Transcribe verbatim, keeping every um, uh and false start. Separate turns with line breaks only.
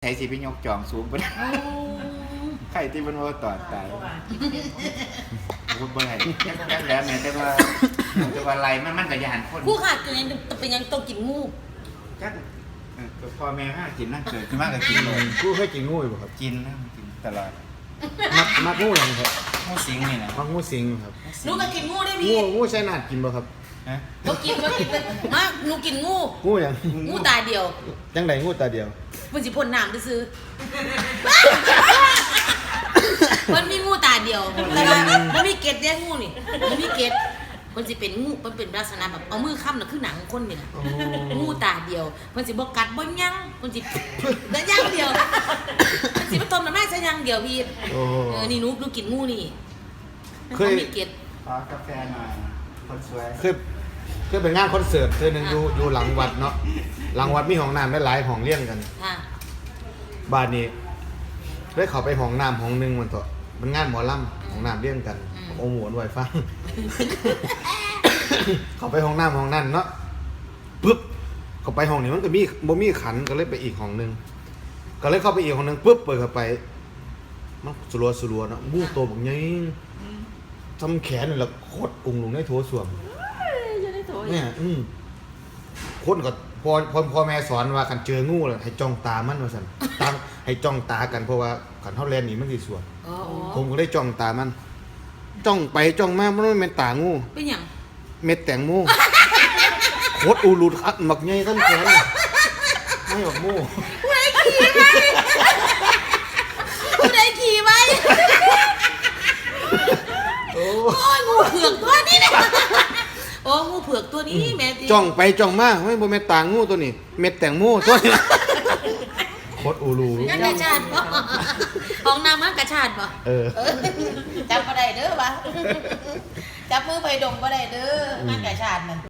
ใช้สิไปยกจองสูงไปใครที่มันว่าต่อตายพูดบ่ได้แค่แล้วแม่แต่ว่าแต่ว่าไรมันมันกระยานคน
ผู้ขาดเป็นยังเป็นยังต้องกินงู
จักพ่อแม่ห้ากินนั่นเกิดขึ้นมากก็กินเลย
กูเคยกินงูอยู่ครับ
กินนะกินตลอด
มักมักงูหยังครับ
งูสิงนี่นะ
มักงูสิงครับ
หนูก็กินงูได้พี่
งูงูใช้นาดกินบ่ครับ
ฮะ
ก็กินก็กินมากหนูกินงู
งูหยัง
งูตาเดียว
จังไดงูตาเดียว
มันสิพ่นน้ำซื้อมันมีงูตาเดียวแต่ว่ามันมีเกล็ดแยกงูนี่มันมีเกล็ดมันสิเป็นงูมันเป็นลักษณะแบบเอามือค้ำน่ะคือหนังคนนี่แหละงูตาเดียวมันสิบ่กัดบ่ยั้งมันสิได้ยั้งเดียวมันสิบ่ต้มน้ำแม่ใส่ยั้งเดียวพี่เออนี่หนูหนูกินงูนี่เคยมีเกล็ด
ขอกาแฟหน่อยคนสวย
คือคือเป็นงานคอนเสิร์ตเทื่อนึงอยู่อยู่หลังวัดเนาะหลังวัดมีห้องน้ำหลายๆห้องเรียงกัน
ค่ะ
บ้านนี้ได้เข้าไปห้องน้ำห้องนึงมันเถอะมันงานหมอลำห้องน้ำเรียงกันโอ้โหหน่วยฟังเข้าไปห้องน้ำห้องนั้นเนาะปึ๊บเข้าไปห้องนี้มันก็มีบ่มีขันก็เลยไปอีกห้องนึงก็เลยเข้าไปอีกห้องนึงปึ๊บเปิดเข้าไปมันสลัวสลัวเนาะงูโตบักใหญ่ทำแขนนี่แหละโคตรอุ้งลงในโถส้วมเนี่ยอืมคนก็พอพอพอแม่สอนว่าคันเจองูแล้วให้จ้องตามันว่าซั่นตามให้จ้องตากันเพราะว่าคันเฮาแล่นนี่มันสิสวนผมก็ได้จ้องตามันจ้องไปจ้องมามันไม่เป็นตางู
เป็นหยัง
เม็ดแตงโมโคตรอูรุดอัดหมักใหญ่ทั้งแขนไม่หมักโม่
ผู้ใดขี่ไว้ผู้ใดขี่ไว้โอ้ยงูเผือกตัวนี้เนี่ยโอ้งูเผือกตัวนี้แม่ตี
จ้องไปจ้องมาไม่บ่แม่นตางูตัวนี้เม็ดแตงโมตัวนี้โคตรอูรุ
งั้นกระชาดบ่ห้องน้ำมันกระชาดบ่
เออ
จับบ่ได้เด้อวะจับมือไปดมบ่ได้เด้อมันกระชาดนั่น